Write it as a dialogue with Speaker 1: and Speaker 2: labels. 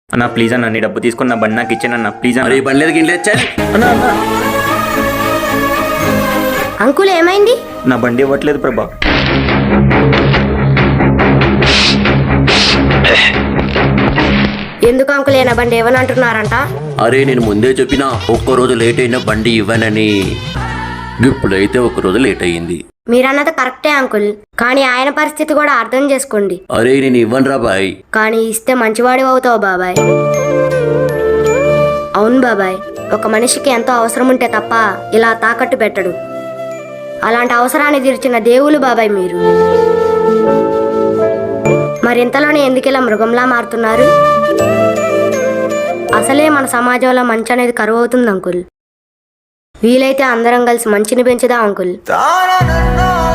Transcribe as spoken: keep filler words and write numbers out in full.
Speaker 1: అన్న ప్లీజ్ అన్న నీ డబ్బు తీసుకున్న బండి నాకు ఇచ్చానన్న ప్లీజ్ అన్న.
Speaker 2: అరే బండి లేదు గిన్నె లేదు,
Speaker 1: అన్న అన్న
Speaker 3: అంకుల్ ఏమైంది?
Speaker 1: నా బండి ఇవ్వట్లేదు ప్రభా.
Speaker 3: ఎందుకు అంకుల్ ఏనా బండి ఏమని అంటున్నారంట?
Speaker 2: అరే నేను ముందే చెప్పినా ఒక్కరోజు లేట్ అయినా బండి ఇవ్వనని. ఇప్పుడైతే ఒక్కరోజు లేట్ అయ్యింది.
Speaker 3: మీరన్నది కరెక్టే అంకుల్, కానీ ఆయన పరిస్థితి కూడా అర్థం చేసుకోండి.
Speaker 2: అరే నేను ఇవ్వనురా బాయ్.
Speaker 3: కానీ ఇస్తే మంచివాడి అవుతావు బాబాయ్. అవును బాబాయ్, ఒక మనిషికి ఎంతో అవసరం ఉంటే తప్ప ఇలా తాకట్టు పెట్టడు. అలాంటి అవసరాన్ని తీర్చిన దేవులు బాబాయ్ మీరు. మరింతలోనే ఎందుకు ఇలా మృగంలా మారుతున్నారు? అసలే మన సమాజంలో మంచి అనేది కరువు అవుతుంది అంకుల్. వీలైతే అందరం కలిసి మంచిని పెంచుదాం అంకుల్.